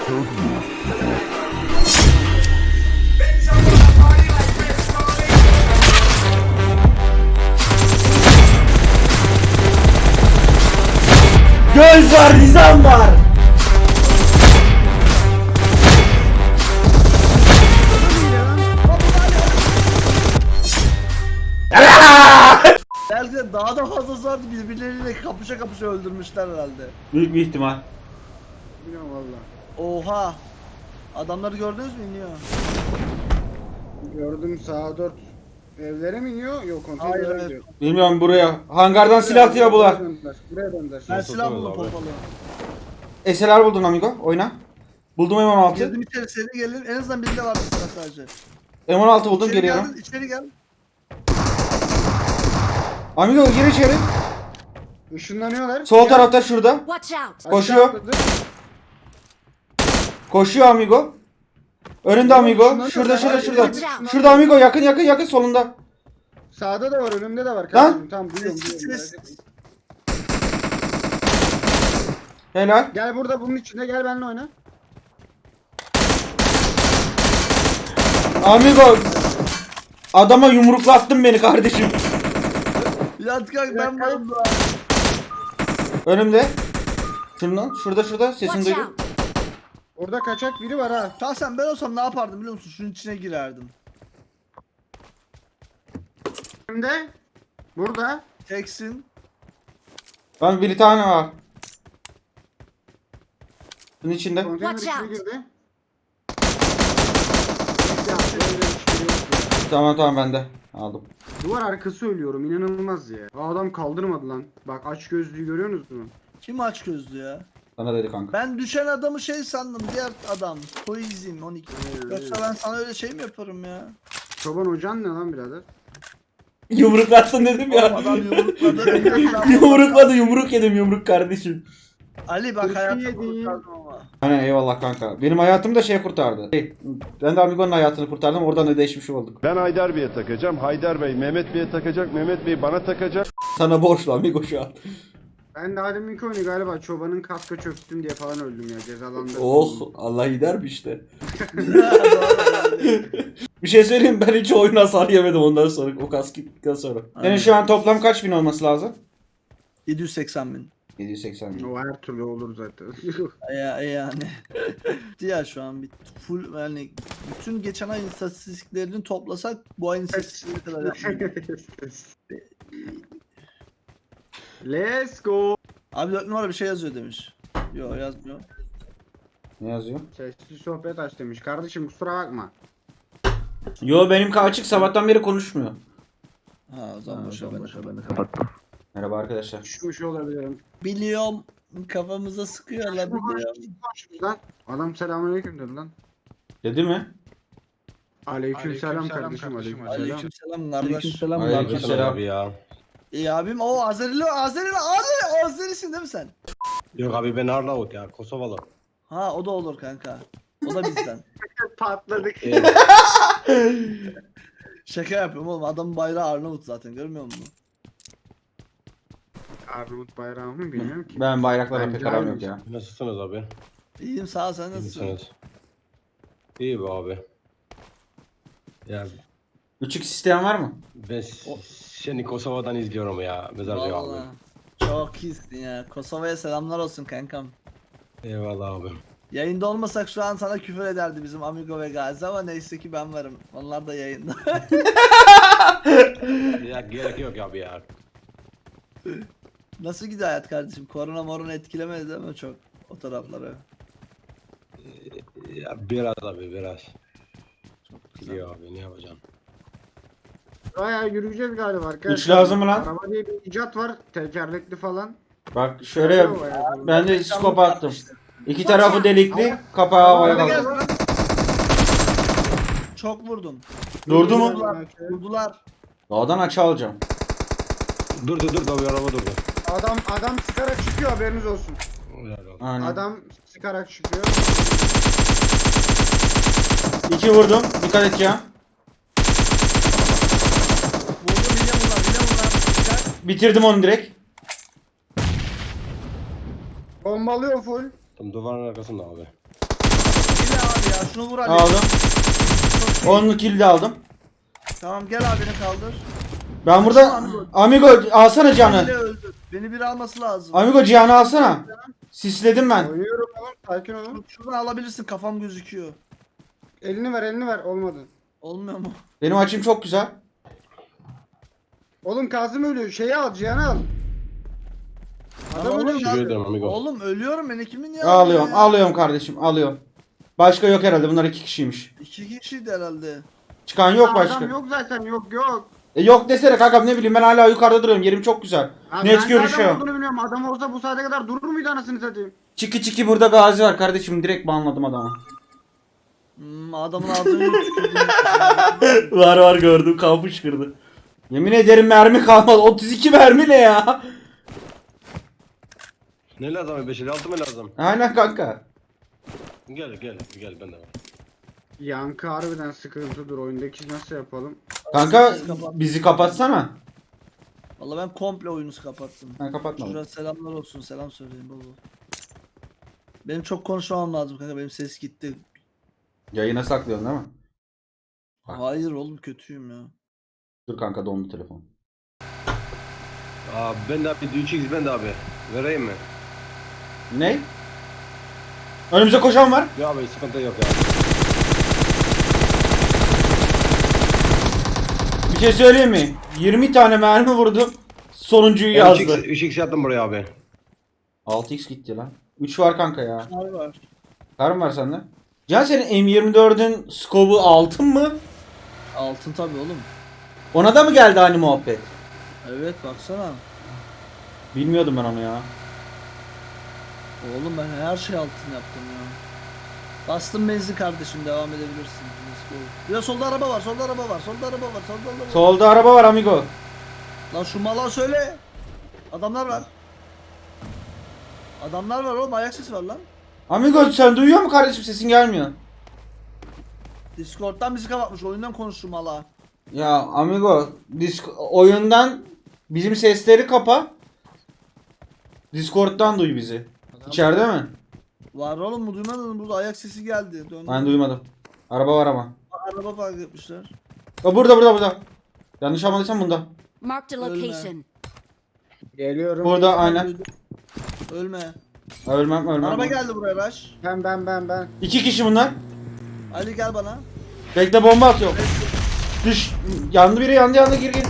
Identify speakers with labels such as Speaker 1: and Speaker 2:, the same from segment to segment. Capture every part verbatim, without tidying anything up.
Speaker 1: Göz var, nizam var.
Speaker 2: Belki de daha da fazlası vardı, birbirleriyle kapışa kapışa öldürmüşler herhalde.
Speaker 1: Büyük bir ihtimal.
Speaker 3: Bilmiyorum valla.
Speaker 2: Oha! Adamları gördünüz mü iniyor?
Speaker 3: Gördüm sağa dört. Evlere mi iniyor? Yok
Speaker 2: Hayır,
Speaker 3: konteynere
Speaker 2: evet.
Speaker 3: gidiyor.
Speaker 1: Bilmiyorum buraya. Hangardan silah atıyor bunlar.
Speaker 3: Buraya döndüler. Buraya döndüler.
Speaker 2: Ben
Speaker 4: Nasıl
Speaker 2: silah
Speaker 4: oluyor
Speaker 2: buldum
Speaker 4: abi?
Speaker 2: pompalı.
Speaker 1: S L R buldun amigo. Oyna. Buldum M on altı.
Speaker 2: Girdim içeri, seni gelin. En azından birinde vardı silah sadece.
Speaker 1: M on altı buldum,
Speaker 2: İçeri
Speaker 1: geliyorum.
Speaker 2: geldin, içeri gel.
Speaker 1: Amigo gir içeri.
Speaker 3: Işınlanıyorlar.
Speaker 1: Sol
Speaker 3: Gel.
Speaker 1: tarafta şurada.
Speaker 5: Watch out!
Speaker 3: Aşağı
Speaker 1: Koşuyor.
Speaker 3: atladı.
Speaker 1: Koşuyor amigo. Önünde amigo. Şurada şurada şurada. Şurada amigo, yakın yakın yakın solunda.
Speaker 3: Sağda da var, önümde de var.
Speaker 1: Lan!
Speaker 3: Kardeşim tamam duyuyorum
Speaker 2: Ses,
Speaker 3: duyuyorum.
Speaker 2: ses.
Speaker 3: merak etme.
Speaker 1: Helal.
Speaker 3: Gel burada bunun içinde, gel benimle oyna.
Speaker 1: Amigo. Adama yumruklattın beni kardeşim.
Speaker 2: Yat kalk, ben varım da.
Speaker 1: Önümde. Şundan. Şurada şurada. Sesini
Speaker 5: Watch
Speaker 1: duydum.
Speaker 5: out!
Speaker 3: Orada kaçak biri var ha.
Speaker 2: Şahsen ben olsam ne yapardım biliyor musun? Şunun içine girerdim.
Speaker 3: Önümde. Burada.
Speaker 2: Teksin.
Speaker 1: Lan bir tane var. Bunun içinde.
Speaker 3: Konteyner
Speaker 5: Watch
Speaker 3: içine
Speaker 5: out.
Speaker 3: girdi. Ya, böyle bir şey yok ya.
Speaker 1: Tamam tamam bende. Aldım.
Speaker 3: Duvar arkası ölüyorum, inanılmaz ya. Aa, adam kaldırmadı lan. Bak aç gözlüğü görüyorsunuz mu?
Speaker 2: Kim aç gözlü ya?
Speaker 1: Sana dedi kanka.
Speaker 2: Ben düşen adamı şey sandım, diğer adam. Poizim on iki. Yoksa ben sana öyle şey mi yaparım ya?
Speaker 3: Çoban hocan ne lan birader?
Speaker 1: Yumruklattın dedim ya.
Speaker 2: Adam yumrukladı.
Speaker 1: Yumrukladı, yumruk yedim, yumruk kardeşim.
Speaker 2: Ali bak
Speaker 3: Kurşun
Speaker 2: hayatımı
Speaker 3: yedin.
Speaker 2: kurtardım ama.
Speaker 1: Hani eyvallah kanka. Benim hayatımı da şey kurtardı. Hey, ben de Amigo'nun hayatını kurtardım. Oradan ödeşmiş olduk.
Speaker 4: Ben Haydar Bey'e takacağım. Haydar Bey Mehmet Bey'e takacak. Mehmet Bey bana takacak.
Speaker 1: Sana borçlu Amigo şu an.
Speaker 3: Ben de Adem'inki oyunu galiba çobanın kaska çöktüm diye falan öldüm ya, cezalandım.
Speaker 1: Oh, Allah gider mi işte. Bir şey söyleyeyim mi? Ben hiç oyun hasar yemedim ondan sonra. O kask gittikten sonra.
Speaker 2: Aynen.
Speaker 1: Yani şu an toplam kaç bin olması lazım?
Speaker 2: yedi yüz seksen bin.
Speaker 1: yedi yüz seksen bin.
Speaker 3: O her türlü olur zaten.
Speaker 2: Ya yani. Diğer şu an bir full yani bütün geçen ayın istatistiklerini toplasak bu ayın istatistikleri kadar yapmıyor.
Speaker 3: Let's go.
Speaker 2: Abi dört numara bir şey yazıyor demiş. Yo yazmıyor.
Speaker 1: Ne yazıyor?
Speaker 3: Sesli sohbet aç demiş. Kardeşim kusura bakma.
Speaker 1: Yo benimki açık, sabahtan beri konuşmuyor.
Speaker 2: Ha o zaman boşver ben de ben de kapattım.
Speaker 1: Merhaba arkadaşlar.
Speaker 3: Düşmüş olabilirim.
Speaker 2: Biliyorum kafamıza sıkıyorlar biliyorum.
Speaker 3: Lan adam selamünaleyküm dedi lan.
Speaker 1: Dedi mi?
Speaker 3: Aleykümselam kardeşim, aleykümselam.
Speaker 2: Aleykümselam kardeş.
Speaker 1: Aleykümselam.
Speaker 4: Aleykümselam abi ya.
Speaker 2: İyi abim o Azerili Azerili Azeri Azerisin değil mi sen?
Speaker 4: Yok abi ben Arnavut ya. Kosovalı.
Speaker 2: Ha o da olur kanka. O da bizden.
Speaker 3: Patladık.
Speaker 4: Evet.
Speaker 2: Şaka yapıyorum oğlum, adamın bayrağı Arnavut zaten, görmüyor musun?
Speaker 3: Arnavut bayrağı mı bilmiyorum ki.
Speaker 1: Ben bayraklara
Speaker 3: Ben
Speaker 1: pek aram yok
Speaker 3: gelmiş.
Speaker 1: ya.
Speaker 4: Nasılsınız abi?
Speaker 2: İyiyim sağ ol, sen
Speaker 4: İyi
Speaker 2: nasılsın?
Speaker 4: misiniz? İyi be abi. Ya
Speaker 1: üç x isteyen var mı?
Speaker 4: ben s- seni Kosova'dan izliyorum ya. Mezarcı abi.
Speaker 2: Vallahi. Çok iyisin ya. Kosova'ya selamlar olsun kankam.
Speaker 4: Eyvallah abi.
Speaker 2: Yayında olmasak şu an sana küfür ederdi bizim Amigo ve Gazi ama neyse ki ben varım. Onlar da yayında.
Speaker 4: Ya gerek yok abi ya.
Speaker 2: Nasıl gidiyor hayat kardeşim? Korona morona etkilemedi değil mi çok o tarafları?
Speaker 4: Ya biraz abi biraz.
Speaker 2: Çok güzel.
Speaker 4: Gidiyor abi ne yapacağım?
Speaker 3: Bayağı yürüyeceğiz galiba arkadaşlar.
Speaker 1: Üç lazım mı lan?
Speaker 3: Araba diye bir icat var. Tekerlekli falan.
Speaker 1: Bak şöyle ben de skop attım. İki tarafı delikli, kapağı havaya
Speaker 2: Hadi gel
Speaker 1: kaldı.
Speaker 2: lan. Çok vurdum.
Speaker 1: Durdu mu?
Speaker 2: Vurdular. Vurdular.
Speaker 1: Dağdan açı alacağım.
Speaker 4: Dur dur dur da bir araba durdu.
Speaker 3: Adam adam sıkarak çıkıyor, haberiniz olsun.
Speaker 4: Helal olsun.
Speaker 1: Aynen.
Speaker 3: Adam sıkarak çıkıyor.
Speaker 1: İki vurdum. Dikkat et ya.
Speaker 2: Vurdum yine bunlar yine bunlar. Dikkat.
Speaker 1: Bitirdim onu direkt.
Speaker 3: Bombalıyor full.
Speaker 4: Tam duvarın arkasında abi.
Speaker 2: Yine abi ya şunu vur Ali.
Speaker 1: Aldım.
Speaker 2: Çok iyi.
Speaker 1: Onun kill de aldım.
Speaker 2: Tamam gel abini kaldır.
Speaker 1: Ben burada Amigo alsana
Speaker 2: Beni
Speaker 1: canı.
Speaker 2: öldü. Beni bir alması lazım.
Speaker 1: Amigo Cihan'ı alsana. Sisledim ben.
Speaker 3: Oynuyorum oğlum. Sakin olun.
Speaker 2: Şuradan alabilirsin kafam gözüküyor.
Speaker 3: Elini ver elini ver. Olmadı.
Speaker 2: Olmuyor mu?
Speaker 1: Benim açım çok güzel.
Speaker 3: Oğlum Kazım ölüyor. Şeyi al Cihan'ı al. Adam
Speaker 2: Oğlum,
Speaker 3: ölüyor.
Speaker 4: Teşekkür ederim amigo.
Speaker 2: Oğlum ölüyorum ben kimin ya?
Speaker 1: Alıyorum,
Speaker 2: ya?
Speaker 1: alıyorum kardeşim, alıyorum. Başka yok herhalde. Bunlar iki kişiymiş.
Speaker 2: İki kişiydi herhalde.
Speaker 1: Çıkan yok başka.
Speaker 3: Adam yok zaten yok yok.
Speaker 1: E yok desene kankam, ne bileyim, ben hala yukarıda duruyorum. Yerim çok güzel.
Speaker 3: Abi
Speaker 1: Net
Speaker 3: ben
Speaker 1: görüşüyor.
Speaker 3: Adam olduğunu bilmiyorum. Adam olsa bu saate kadar durur muydu anasını satayım?
Speaker 1: Çiki çiki burada Gazi var kardeşim. Direkt banladım adamı.
Speaker 2: Hmm, adamın ağzını tükürdüm.
Speaker 1: var var gördüm. Kan fışkırdı. Yemin ederim mermi kalmadı. otuz iki mermi ne ya?
Speaker 4: Ne lazım abi? beş elli altı mı lazım?
Speaker 1: Aynen kanka.
Speaker 4: Gel gel gel ben de var.
Speaker 3: Yankı harbiden sıkıntıdır. Oyundaki nasıl yapalım?
Speaker 1: Kanka bizi kapatsana.
Speaker 2: Valla ben komple oyunu kapattım.
Speaker 1: Ben kapatmadım.
Speaker 2: Şuraya selamlar olsun. Selam söyleyin baba. Benim çok konuşmam lazım kanka. Benim ses gitti.
Speaker 1: Yayına saklıyorsun değil mi? Bak.
Speaker 2: Hayır oğlum kötüyüm ya.
Speaker 1: Dur kanka, dondu telefon.
Speaker 4: Aa ben de abi üç x ben de abi. Vereyim mi?
Speaker 1: Ne? Önümüze koşan var.
Speaker 4: Ya abi sıkıntı yok ya.
Speaker 1: Bir şey söyleyeyim mi? yirmi tane mermi vurdum. Sonuncuyu
Speaker 4: Ben üç x
Speaker 1: yazdı.
Speaker 4: üç x attım buraya abi.
Speaker 1: altı x gitti lan. üç var kanka ya.
Speaker 2: Var var.
Speaker 1: Var mı var sende? Can senin M yirmi dördün skobu altın mı?
Speaker 2: Altın tabi oğlum.
Speaker 1: Ona da mı geldi hani muhabbet?
Speaker 2: Evet baksana.
Speaker 1: Bilmiyordum ben onu ya.
Speaker 2: Oğlum ben her şey altın yaptım ya. Bastım benzin kardeşim devam edebilirsin. Let's go. Ya solda araba var, solda araba var, solda araba var, solda araba var.
Speaker 1: Solda araba var amigo.
Speaker 2: Lan şu mala söyle. Adamlar var. Adamlar var oğlum ayak sesi var lan.
Speaker 1: Amigo sen duyuyor mu kardeşim, sesin gelmiyor.
Speaker 2: Discord'dan bizi kapatmış oyundan konuştu mala.
Speaker 1: Ya amigo disk oyundan bizim sesleri kapa. Discord'dan duy bizi. İçeride mi?
Speaker 2: Var oğlum mu duymadın mı? Burada ayak sesi geldi. Döndüm.
Speaker 1: Ben duymadım. Araba var ama.
Speaker 2: Araba park etmişler.
Speaker 1: O burada burada burada. Yanlış anladıysam bunda.
Speaker 5: Marked a
Speaker 2: Ölme.
Speaker 5: location.
Speaker 3: Geliyorum.
Speaker 1: Burada aynen.
Speaker 2: Duydum. Ölme.
Speaker 1: Ölmem ölmem.
Speaker 2: Araba geldi buraya Raş.
Speaker 3: Ben ben ben ben.
Speaker 1: İki kişi bunlar.
Speaker 2: Ali gel bana.
Speaker 1: Bekle, bomba atıyor. Düş. Yandı biri, yandı yandı, gir gir.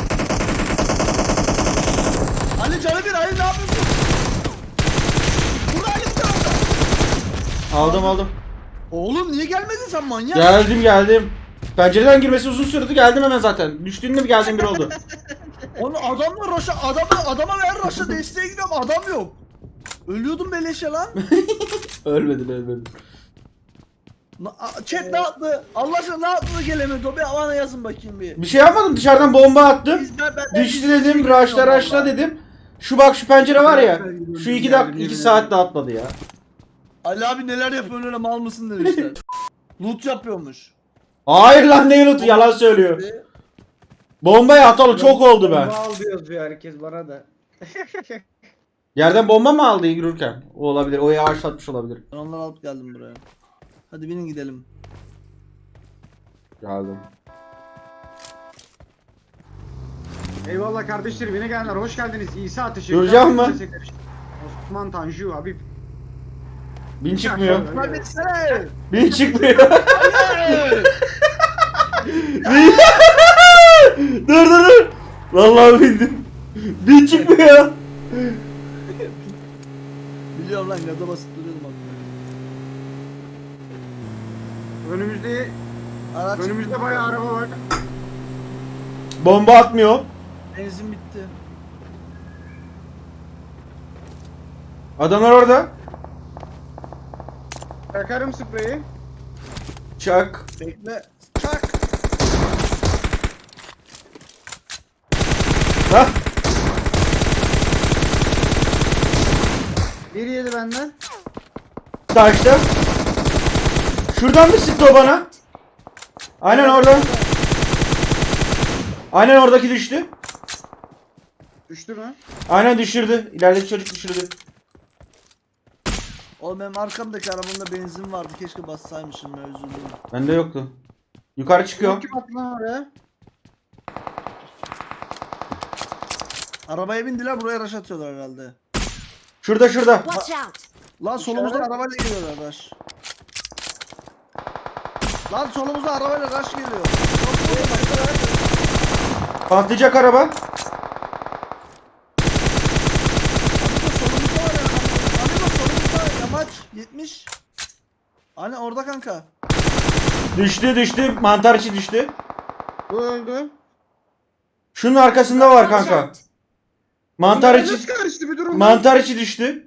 Speaker 2: Ali canı bir Ali ne yapıyorsun? Burada Ali bir tarafta.
Speaker 1: Aldım aldım.
Speaker 2: Oğlum niye gelmedin sen manyak?
Speaker 1: Geldim geldim. Pencereden girmesi uzun sürdü, geldim hemen zaten. Düştüğünde bir geldim bir oldu.
Speaker 2: Onu adamla Raş'a adama adama ver Raş'a desteğe gidiyorum adam yok. Ölüyordum beleşe lan.
Speaker 1: Ölmedin ölmedin.
Speaker 2: Na- a- Chat ne yaptı? Allah aşkına ne yaptı da gelemedi o bir bana yazın bakayım bir.
Speaker 1: Bir şey yapmadım, dışarıdan bomba attım.
Speaker 2: Biz- ben- ben-
Speaker 1: Düştü
Speaker 2: ben-
Speaker 1: dedim,
Speaker 2: ben-
Speaker 1: raşla raşla
Speaker 2: vallahi.
Speaker 1: dedim. Şu bak şu pencere var ya. Şu iki dakika iki saatte atladı ya.
Speaker 2: Ali abi neler yapıyorsun öyle mal mısın demişler. Loot yapıyormuş.
Speaker 1: Hayır lan, ne loot'u, yalan söylüyor. Bombaya atalı çok oldu ben.
Speaker 3: Bomba al diyoruz ya herkes bana da.
Speaker 1: Yerden bomba mı aldı yürürken? O olabilir. O yağışlatmış olabilir.
Speaker 2: Ben onları alıp geldim buraya. Hadi binin gidelim.
Speaker 1: Geldim.
Speaker 3: Eyvallah kardeşlerim yine gelenler hoş geldiniz. İsa teşekkür
Speaker 1: Duracağım mı?
Speaker 3: Osman Tanju abi.
Speaker 1: Bin çıkmıyor.
Speaker 2: Hadi etsene.
Speaker 1: Bin çıkmıyor. dur dur dur. Vallahi bindim. Bin çıkmıyor.
Speaker 2: Biliyorum lan gaza basıp duruyordum bak.
Speaker 3: Önümüzde
Speaker 2: Araç
Speaker 3: önümüzde bayağı araba var.
Speaker 1: Bomba atmıyor.
Speaker 2: benzin bitti.
Speaker 1: Adamlar orada.
Speaker 3: Yakarım spreyi.
Speaker 1: Çak.
Speaker 2: Bekle. Çak.
Speaker 1: Hah.
Speaker 3: Biri yedi benden.
Speaker 1: Taşta. Şuradan mı sıktı o bana? Aynen orada. Aynen oradaki düştü.
Speaker 3: Düştü mü?
Speaker 1: Aynen düşürdü. İlerideki çocuk düşürdü.
Speaker 2: Oğlum benim arkamdaki arabamda benzin vardı. Keşke bassaymışım ya, üzüldüm.
Speaker 1: Bende yoktu. Yukarı çıkıyor.
Speaker 3: Kim attı lan oraya?
Speaker 2: Arabaya bindiler, buraya rush atıyorlar herhalde.
Speaker 1: Şurada şurada.
Speaker 5: Watch out!
Speaker 2: Lan solumuzda
Speaker 3: İşaret.
Speaker 2: arabayla geliyorlar rush. Lan solumuzda arabayla rush geliyor.
Speaker 1: Patlayacak araba.
Speaker 2: Amigo solumuzda var ya. Amigo solumuzda yamaç yetmiş. Hani orada kanka.
Speaker 1: Düştü düştü. Mantar içi düştü.
Speaker 3: Bu öldü.
Speaker 1: Şunun arkasında var
Speaker 5: Watch
Speaker 1: kanka.
Speaker 5: out!
Speaker 1: Mantar
Speaker 3: Bunlar
Speaker 1: içi.
Speaker 3: nasıl karıştı bir durum?
Speaker 1: Mantar içi düştü.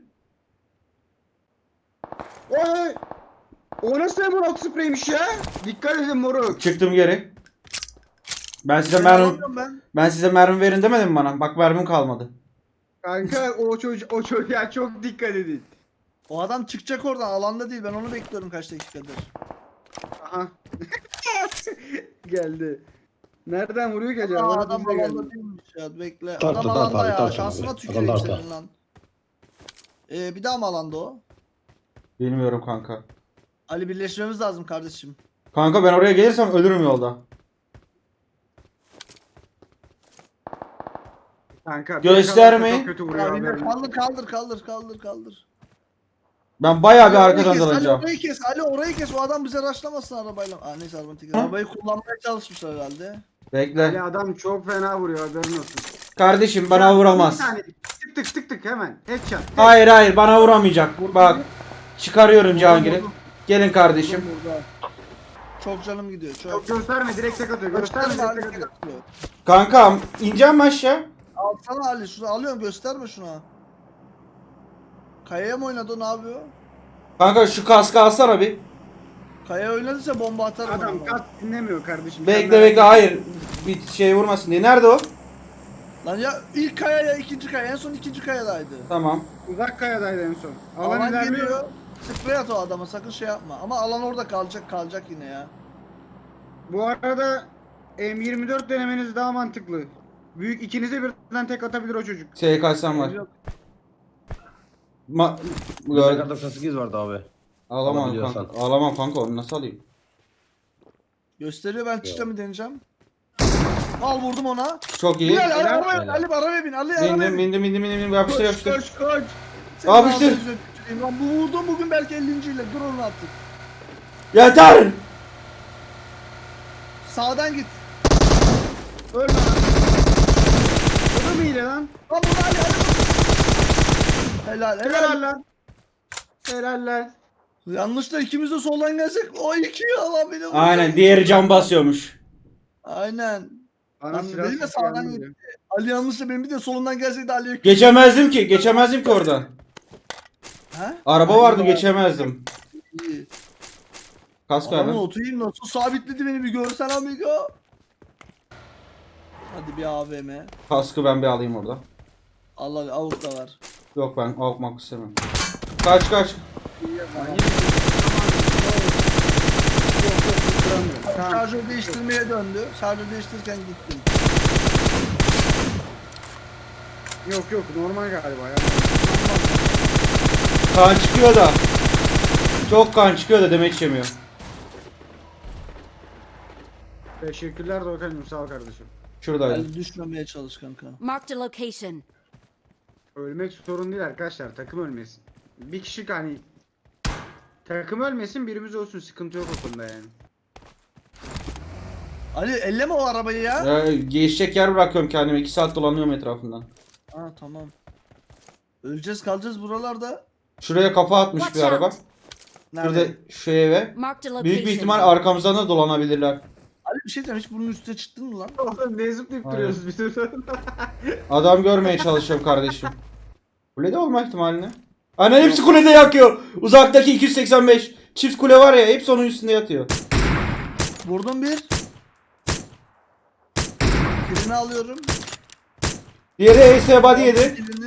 Speaker 3: Oy! O nasıl emerald spreymiş ya? Dikkat edin moruk.
Speaker 1: Çıktım geri. Ben size
Speaker 2: Ben
Speaker 1: mermi
Speaker 2: alamıyorum ben.
Speaker 1: ben size mermi verin demedim mi bana? Bak mermim kalmadı.
Speaker 3: Kanka o çocuk o çocuğa çok dikkat edin.
Speaker 2: O adam çıkacak oradan, alanda değil, ben onu bekliyorum kaç dakikadır.
Speaker 3: Aha. Geldi. Nereden vuruyor ki acaba?
Speaker 2: Aa,
Speaker 3: Bana
Speaker 2: adam
Speaker 3: bize geldi.
Speaker 2: alanda değilmiş ya, bekle.
Speaker 6: Tartta,
Speaker 2: Adam
Speaker 6: tartta
Speaker 2: alanda
Speaker 6: abi,
Speaker 2: ya,
Speaker 6: tartta
Speaker 2: şansına
Speaker 6: abi.
Speaker 2: tüküreyim
Speaker 6: Adam
Speaker 2: senin
Speaker 6: tartta.
Speaker 2: lan. Ee, bir daha mı alanda o?
Speaker 1: Bilmiyorum kanka.
Speaker 2: Ali birleşmemiz lazım kardeşim.
Speaker 1: Kanka ben oraya gelirsem ölürüm yolda.
Speaker 3: Kanka.
Speaker 1: Göstermeyin.
Speaker 3: Çok kötü vuruyor
Speaker 2: Ya, yine
Speaker 3: haberin.
Speaker 2: kaldır kaldır kaldır kaldır kaldır.
Speaker 1: Ben bayağı bir
Speaker 2: Ali,
Speaker 1: arkadan
Speaker 2: orayı kes, Ali
Speaker 1: alacağım.
Speaker 2: orayı kes, Ali orayı kes, o adam bize raşlamasın arabayla. Aa neyse arabanın tekeri. Arabayı kullanmaya çalışmışlar herhalde.
Speaker 1: Bekle.
Speaker 3: Ali adam çok fena vuruyor haberin olsun.
Speaker 1: Kardeşim bana vuramaz.
Speaker 3: Bir tane tık tık tık tık hemen. Headshot.
Speaker 1: Hayır hayır bana vuramayacak. Bak. Çıkarıyorum Cihangir'i. Gelin kardeşim.
Speaker 2: Burada. Çok canım gidiyor çok.
Speaker 3: Çok gösterme direkt tek atıyor. Gösterme
Speaker 2: Gösterme Ali,
Speaker 3: direkt tek
Speaker 2: tek
Speaker 3: atıyor.
Speaker 2: atıyor.
Speaker 1: Kankam ineceğim mi aşağı?
Speaker 2: Alsana Ali, şunu alıyorum, gösterme şuna. Kayaya mı oynadı, ne yapıyor?
Speaker 1: Kanka şu kaskı alsana bir.
Speaker 2: Kayaya oynadıysa bomba atarım
Speaker 3: Adam
Speaker 2: ona.
Speaker 3: kat dinlemiyor kardeşim.
Speaker 1: Bekle
Speaker 3: Sen
Speaker 1: bekle
Speaker 3: merak
Speaker 1: hayır. Bir şey vurmasın diye. Nerede o?
Speaker 2: Lan ya ilk kaya ya ikinci kaya, en son ikinci kayadaydı.
Speaker 1: Tamam.
Speaker 3: etme. Uzak kayadaydı en son. Alan,
Speaker 2: Alan
Speaker 3: ilerliyor.
Speaker 2: geliyor. Sprey at o adama, sakın şey yapma. Ama alan orada kalacak kalacak yine ya.
Speaker 3: Bu arada M yirmi dört denemeniz daha mantıklı. Büyük ikinize birden tek atabilir o çocuk.
Speaker 1: S K S'm var.
Speaker 2: Yok.
Speaker 1: Ma
Speaker 6: Burada
Speaker 1: Gör
Speaker 6: doksan sekiz vardı abi.
Speaker 1: Alamam
Speaker 6: Alabiliyorsan.
Speaker 1: kanka. Alamam kanka onu nasıl alayım?
Speaker 2: Gösteriyor, ben çıkacağım deneyeceğim. Al vurdum ona.
Speaker 1: Çok iyi.
Speaker 2: Bilal Ali
Speaker 3: Helal.
Speaker 2: arabaya bin,
Speaker 6: Helal.
Speaker 2: Ali arabaya bin, Ali arabaya
Speaker 1: Bindim
Speaker 2: bin.
Speaker 1: bindim bindim bindim bindim yapıştır
Speaker 3: Koş
Speaker 1: yapıştır.
Speaker 3: koş koş.
Speaker 2: Senin
Speaker 1: Yapıştır.
Speaker 2: ağzına yüzüne tüküreyim lan, bu vurdum bugün belki ellinci ile, dur onu artık.
Speaker 1: Yeter.
Speaker 2: Sağdan git.
Speaker 3: Ölme lan. O da mı hile lan?
Speaker 2: Lan bunu Ali Ali. Helal helal.
Speaker 3: Helal lan. Helal lan.
Speaker 2: Yanlışla ikimiz de soldan gelsek o iki Allah beni vurdu.
Speaker 1: Aynen diğeri cam basıyormuş.
Speaker 2: Aynen.
Speaker 3: Bana
Speaker 2: Lan
Speaker 3: silah
Speaker 2: dedim ya,
Speaker 3: sesi
Speaker 2: sağdan
Speaker 3: gelmedi.
Speaker 2: gitti. Ali yanlışla benim bir de solundan gelseydi Ali'ye.
Speaker 1: Geçemezdim ki geçemezdim ki oradan.
Speaker 2: Ha?
Speaker 1: Araba vardı
Speaker 2: Aynen.
Speaker 1: geçemezdim.
Speaker 2: İyi.
Speaker 1: Kask
Speaker 2: Adamın
Speaker 1: abi.
Speaker 2: otuyum nasıl sabitledi beni, bir görsen amigo. Hadi bir A V M.
Speaker 1: Kaskı ben bir alayım orada.
Speaker 2: Allah Allah, avuk da var.
Speaker 1: Yok ben almak istemem. Kaç kaç.
Speaker 3: Tamam.
Speaker 2: Şarjör değiştirmeye döndü. Şarjör değiştirirken gittim.
Speaker 3: Yok yok normal galiba ya.
Speaker 1: Kan çıkıyor da. Çok kan çıkıyor da demek içemiyor.
Speaker 3: Teşekkürler Doğukan'cığım sağ ol kardeşim.
Speaker 1: Şuradaydı.
Speaker 2: Ali düşmemeye çalış kanka.
Speaker 5: Marked a location.
Speaker 3: Ölmek sorun değil arkadaşlar takım ölmesin. Bir kişi hani takım ölmesin birimiz olsun sıkıntı yok o konuda yani.
Speaker 2: Ali elleme o arabayı ya.
Speaker 1: Ee, geçecek yer bırakıyorum kendime. iki saat dolanıyorum etrafından.
Speaker 2: Ha tamam. Öleceğiz kalacağız buralarda.
Speaker 1: Şuraya kafa atmış
Speaker 5: Watch
Speaker 1: bir araba.
Speaker 5: out.
Speaker 1: Şurada
Speaker 2: Nerede?
Speaker 1: şu eve.
Speaker 5: Marked a location.
Speaker 1: Büyük bir ihtimal arkamızdan da dolanabilirler.
Speaker 2: Ali bir şey diyeceğim, hiç bunun üstüne çıktın mı lan?
Speaker 3: Oğlum ne zıplayıp
Speaker 1: Aynen.
Speaker 3: duruyoruz biz burada?
Speaker 1: Adam görmeye çalışıyorum kardeşim. Kulede olma ihtimali ne? Aynen hepsi kulede yakıyor. Uzaktaki iki yüz seksen beş. Çift kule var ya hepsi onun üstünde yatıyor.
Speaker 2: Vurdum bir. Birini alıyorum.
Speaker 1: Diğeri A S body yedi.
Speaker 2: Birini.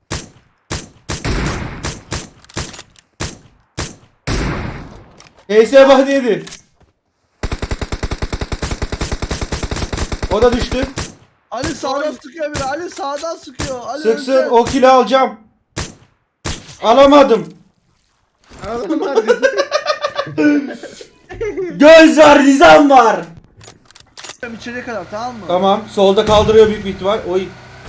Speaker 1: A S body yedi. O da düştü.
Speaker 2: Ali sağdan sıkıyor biri. Ali sağdan sıkıyor. Ali
Speaker 1: Sıksın
Speaker 2: önce.
Speaker 1: o kili alacağım. Alamadım.
Speaker 3: Adam var dedi.
Speaker 1: Göz var, nizam var.
Speaker 2: İçeriye kadar tamam mı?
Speaker 1: Tamam. Solda kaldırıyor büyük bir ihtimal. Oy.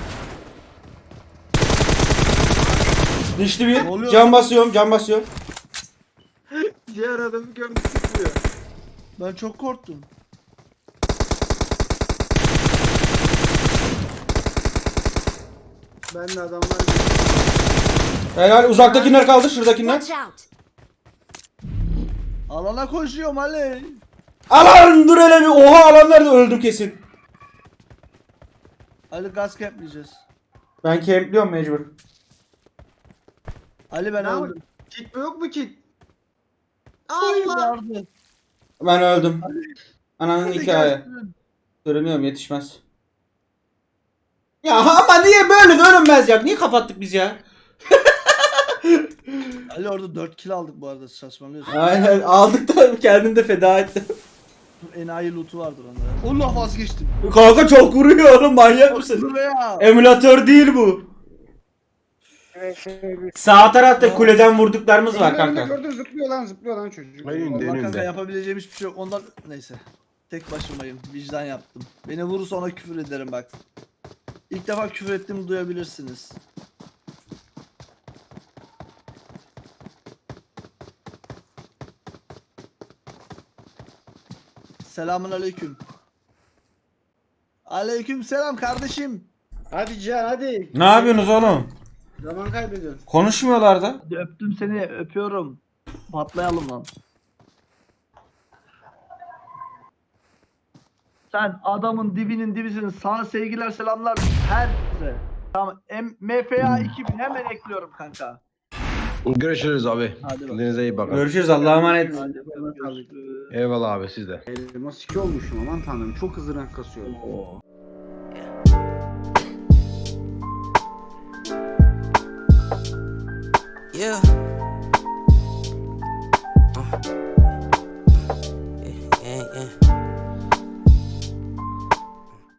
Speaker 1: Dişli
Speaker 2: Ne
Speaker 1: bir.
Speaker 2: oluyor
Speaker 1: Can
Speaker 2: lan?
Speaker 1: basıyorum, can basıyorum.
Speaker 3: Diğer adamı gördü sıkıyor.
Speaker 2: Ben çok korktum.
Speaker 3: Ben de adamlar
Speaker 1: Helal. Uzaktakiler kaldı, şuradakiler.
Speaker 5: Watch out!
Speaker 2: Alana koşuyorum Ali.
Speaker 1: Alan dur hele bir. Oha alan nerede? Öldüm kesin.
Speaker 2: Ali gaz capleyeceğiz.
Speaker 1: Ben campliyorum mecbur.
Speaker 2: Ali ben
Speaker 3: Ne
Speaker 2: öldüm.
Speaker 3: yapayım? Kit mi yok mu kit?
Speaker 2: Hayır
Speaker 3: Allah!
Speaker 2: vardı.
Speaker 1: Ben öldüm. Ananın
Speaker 2: Ali
Speaker 1: hikaye.
Speaker 2: gelsin.
Speaker 1: Sürünüyorum, yetişmez. Ya ama niye böyle de ölünmez ya? Niye kapattık biz ya?
Speaker 2: Ali orada dört kill aldık bu arada, saçmalıyorsun.
Speaker 1: Aynen aldık da kendim de feda ettim.
Speaker 2: Enayi loot'u vardır onda. Allah vazgeçtim.
Speaker 1: Kanka çok vuruyor oğlum, manyak mısın?
Speaker 2: Buraya.
Speaker 1: Emülatör değil bu. Sağ tarafta kuleden vurduklarımız var
Speaker 3: Önünde
Speaker 1: kanka.
Speaker 3: gördün zıplıyor lan zıplıyor lan çocuk.
Speaker 4: Hayır,
Speaker 2: Vallahi
Speaker 4: önünde.
Speaker 2: kanka yapabileceğim hiçbir şey yok. Ondan neyse. Tek başımayım. Vicdan yaptım. Beni vurursa ona küfür ederim bak. İlk defa küfür ettiğimi duyabilirsiniz. Selamun aleyküm. Aleyküm selam kardeşim.
Speaker 3: Hadi Cihan hadi.
Speaker 1: Ne yapıyorsunuz oğlum?
Speaker 3: Zaman kaybediyorsun.
Speaker 1: Konuşmuyorlar da.
Speaker 2: Hadi öptüm seni, öpüyorum. Patlayalım lan. Sen adamın dibinin dibisin. Sana sevgiler selamlar herkese. Tamam. M- M F A iki bin hemen ekliyorum kanka.
Speaker 6: Görüşürüz abi.
Speaker 2: Hadi bak.
Speaker 6: Kendinize iyi bakın.
Speaker 1: Görüşürüz, Allah'a emanet.
Speaker 2: Hadi bakalım.
Speaker 6: Eyvallah abi siz de.
Speaker 3: Elmas iki olmuşum aman tanrım çok hızlı rank kasıyorum.
Speaker 7: Yeah. Uh. Yeah, yeah, yeah.